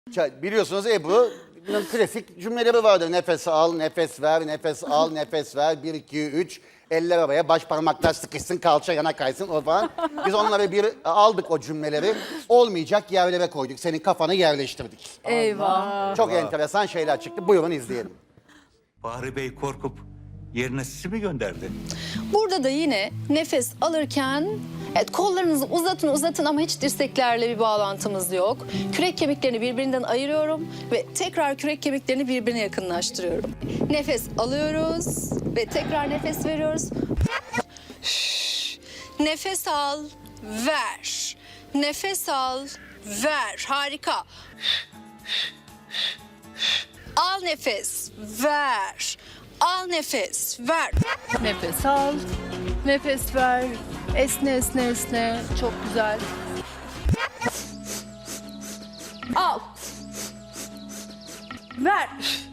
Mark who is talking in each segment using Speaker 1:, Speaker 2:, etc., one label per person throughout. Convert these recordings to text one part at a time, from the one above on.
Speaker 1: Biliyorsunuz Ebru'nun klasik cümleleri vardır. Nefes al, nefes ver, nefes al, nefes ver. 1, 2, 3. Eller araya, baş parmaklar sıkışsın, kalça yana kaysın o falan. Biz onları bir aldık o cümleleri. Olmayacak yerlere koyduk. Senin kafanı yerleştirdik.
Speaker 2: Eyvah.
Speaker 1: Çok enteresan şeyler çıktı. Buyurun izleyelim.
Speaker 3: Bahri Bey korkup yerine sizi mi gönderdi?
Speaker 2: Burada da yine nefes alırken evet, kollarınızı uzatın ama hiç dirseklerle bir bağlantımız yok. Kürek kemiklerini birbirinden ayırıyorum ve tekrar kürek kemiklerini birbirine yakınlaştırıyorum. Nefes alıyoruz ve tekrar nefes veriyoruz. Nefes al, ver. Nefes al, ver. Harika. Al nefes, ver. Al nefes, ver.
Speaker 4: Nefes al, nefes ver. Esne esne esne. Çok güzel. Al. Ver.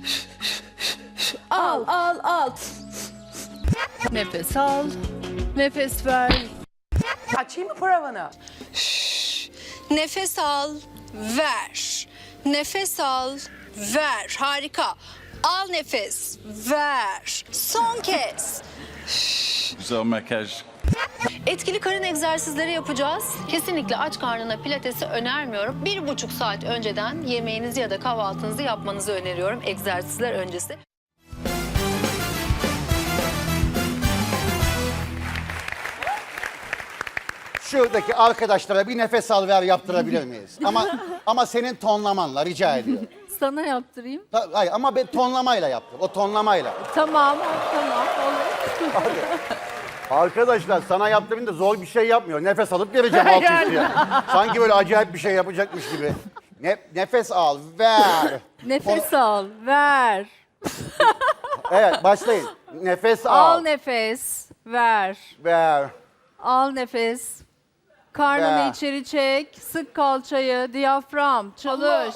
Speaker 4: Al. Nefes al, nefes ver.
Speaker 5: Açayım mı paravanı?
Speaker 2: Nefes al, ver. Nefes al, ver. Harika. Al nefes, ver. Son kez.
Speaker 6: Güzel makyaj.
Speaker 2: Etkili karın egzersizleri yapacağız. Kesinlikle aç karnına pilatesi önermiyorum. 1,5 saat önceden yemeğinizi ya da kahvaltınızı yapmanızı öneriyorum egzersizler öncesi.
Speaker 1: Şuradaki arkadaşlara bir nefes al ver yaptırabilir miyiz? Ama senin tonlamanla rica ediyorum.
Speaker 4: Sana yaptırayım.
Speaker 1: Hayır ama ben tonlamayla yaptım. O tonlamayla.
Speaker 4: Tamam, olur.
Speaker 1: Arkadaşlar sana yaptığım da zor bir şey yapmıyor. Nefes alıp vereceğim alt üstüye. Sanki böyle acayip bir şey yapacakmış gibi. Nefes al, ver.
Speaker 4: Nefes al, ver.
Speaker 1: Evet başlayın. Nefes
Speaker 4: Al
Speaker 1: al,
Speaker 4: nefes, ver.
Speaker 1: ver.
Speaker 4: Al nefes. Karnını
Speaker 1: Ver.
Speaker 4: içeri çek. Sık kalçayı, diyafram, çalış.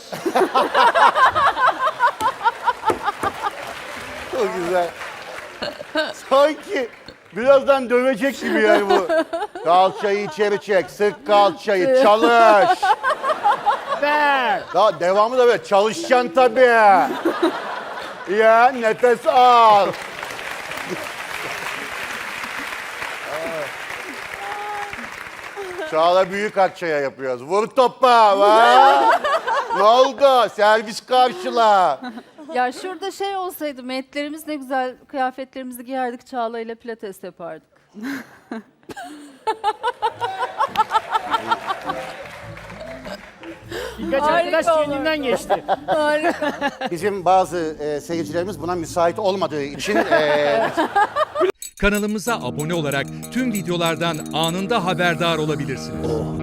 Speaker 1: Çok güzel. Sanki birazdan dövecek gibi yani bu. Kalçayı içeri çek, sık kalçayı, çalış.
Speaker 4: Ver.
Speaker 1: Daha devamı da böyle çalışacaksın tabii. Ya nefes al. Çağla büyük akçaya yapıyoruz. Vur topa. Va. Ne oldu? Servis karşıla.
Speaker 4: Ya şurada şey olsaydı, metlerimiz ne güzel kıyafetlerimizi giyerdik, Çağla ile pilates yapardık.
Speaker 7: Birkaç arkadaş kendinden geçti.
Speaker 1: Bizim bazı seyircilerimiz buna müsait olmadığı için
Speaker 8: Kanalımıza abone olarak tüm videolardan anında haberdar olabilirsiniz.